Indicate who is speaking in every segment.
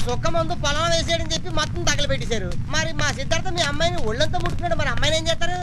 Speaker 1: సుక్క మందు పొలం వేసేయడని చెప్పి మొత్తం తగలబెట్టేశారు. మరి మా సిద్ధార్థ మీ అమ్మాయిని ఒళ్ళంతా ముట్టుకున్నాడు, మరి అమ్మాయిని ఏం చేస్తారు?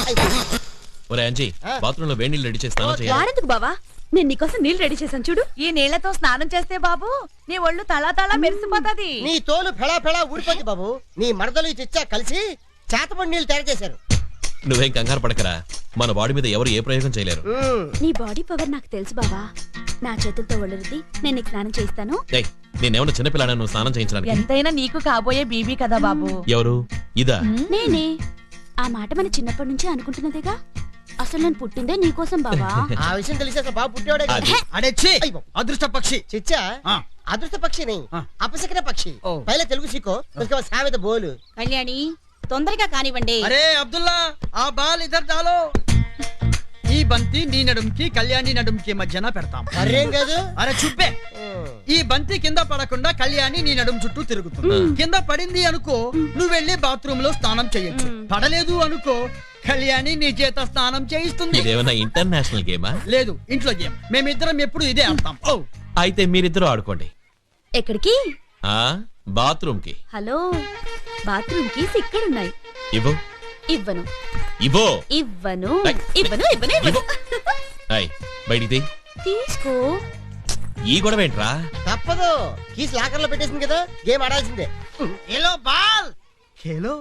Speaker 2: బాత్రూమ్ లో వేడి నీళ్ళు రెడీ చేస్తాను.
Speaker 3: వాడెందుకు బావా, నేను నీకోసం నీళ్ళు రెడీ చేశాను చూడు.
Speaker 4: ఈ నీళ్లతో స్నానం చేస్తే బాబు నీ ఒళ్ళు తళా మెరిసిపోతది.
Speaker 1: నీ తోలు ఫెళా ఫెళా ఊడిపోద్ది బాబు. నీ మరదలు ఈ చిచ్చా కలిసి చేతపడి నీళ్ళు తయారు చేశారు.
Speaker 2: నువ్వేం కంగారు పడకరా, మన బాడీ మీద ఎవరు ఏ ప్రయోగం చేయలేరు.
Speaker 3: నీ బాడీ పవర్ నాకు తెలుసు బావా. నా చేతులతో ఒళ్ళు రుద్ది నేను నీకు స్నానం చేస్తాను.
Speaker 2: నేనేమన్నా చిన్నపిల్లాడా నువ్వు స్నానం చేయించడానికి?
Speaker 4: ఎంతైనా నీకు కాబోయే బీబీ కదా బాబు.
Speaker 2: ఎవరు? ఇదా?
Speaker 3: నేనే. ఆ మాట మన చిన్నప్పటి నుంచి అనుకుంటున్నదేగా. అసలు నేను పుట్టిందే నీకోసం బావా.
Speaker 1: ఆ విషయం తెలిసి అసలు బాబు పుట్టేవాడే.
Speaker 5: అదృష్ట పక్షి
Speaker 1: చిచ్చా అదృష్ట పక్షిని అపశకన పక్షి. పైల తెలుగు సీకో సామెత బోలు.
Speaker 3: కళ్యాణి తొందరగా కానివ్వండి.
Speaker 5: అరే అబ్దుల్లా, ఆ బాల్ ఇద్దరు డాలో. ఈ బంతి నీ నడుంకి కళ్యాణి నడుంకి మధ్యన పెడతాం.
Speaker 1: అరేం కాదు.
Speaker 5: అరే చుప్పే. ఈ బంతి కింద పడకుండా కళ్యాణి నీ నడుం చుట్టూ తిరుగుతుంది. కింద పడింది అనుకో, నువ్వు వెళ్ళి బాత్రూమ్ లో స్నానం చేయొచ్చు. పడలేదు అనుకో, కళ్యాణి నీ చేత స్నానం చేయిస్తుంది.
Speaker 2: ఇదేమన్నా ఇంటర్నేషనల్ గేమా?
Speaker 5: లేదు, ఇంట్లో గేమ్. మేమిద్దరం ఎప్పుడు ఇదే ఆడతాం.
Speaker 2: అయితే మీరిద్దరూ ఆడుకోండి.
Speaker 3: ఎక్కడికి?
Speaker 2: బాత్రూమ్ కి.
Speaker 3: హలో, బాత్రూమ్ కీస్ ఇక్కడున్నాయి.
Speaker 2: ఇవ్వు.
Speaker 3: ఇవ్వను.
Speaker 2: ఇవ్వు.
Speaker 3: ఇవ్వను. ఇవ్వను. ఇవ్వను. ఇవ్వను.
Speaker 2: బయటికి
Speaker 3: తీసుకో.
Speaker 2: ఈ గొడవ ఏంట్రా?
Speaker 1: తప్పదు, కీస్ లాకర్ లో పెట్టేసింది కదా, గేమ్ ఆడాల్సిందే.
Speaker 5: Hello ball hello.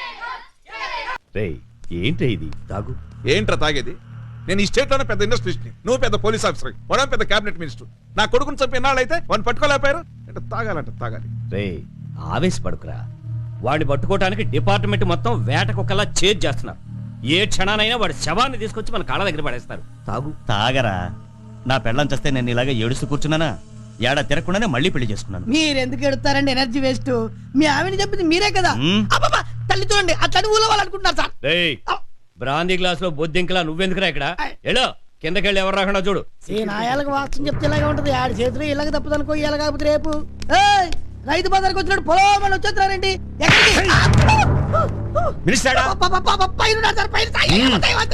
Speaker 6: ఏంట్రా ఇది? తాగు.
Speaker 7: ఏంట్రా తాగేది? నేను ఈ స్టేట్ లోనే పెద్ద ఇండస్ట్రియలిస్ట్ ని, నువ్వు పెద్ద పోలీస్ ఆఫీసర్, మనం పెద్ద క్యాబినెట్ మినిస్టర్. నా కొడుకుని చంపి ఎన్నాళ్ళైతే వాడిని పట్టుకోలేకపోయారు. అంటే తాగాలంట తాగాలి.
Speaker 6: ఆవేశపడుకురా. వాడిని పట్టుకోవటానికి డిపార్ట్మెంట్ మొత్తం వేటకొకలా చేజ్ చేస్తున్నారు. ఏ క్షణానైనా వాడి శవాన్ని తీసుకొచ్చి మన కాళ్ళ దగ్గర పడేస్తారు. తాగు. తాగరా. నా పెళ్ళం చేస్తే నేను ఇలాగే ఏడుస్తూ కూర్చున్నానా? ఏడా తిరగకుండానే మళ్ళీ పెళ్లి చేసుకున్నాను.
Speaker 8: మీరెందుకు ఎడుతారండి? Energy waste. మీ ఆవిని చెప్పింది మీరే కదా. తల్లి చూడండి, అట్లాంటి ఊళ్ళో వాళ్ళు అనుకుంటున్నారు సార్.
Speaker 6: బ్రాందీ గ్లాస్ లో బొద్దింకలా నువ్వెందుకురా ఇక్కడ? ఎలో కిందకెళ్ళి ఎవరు రాకుండా చూడు.
Speaker 8: ఈ నాయాలకు వాస్తవం చెప్తే ఇలాగే ఉంటది. ఆడి చేతులు ఇలాగ తప్పదనుకో, ఇలా కాకపోతే రేపు రైతు బజార్కి వచ్చినట్టు పొలం వచ్చేస్తున్నారండి.
Speaker 6: మినిస్టర్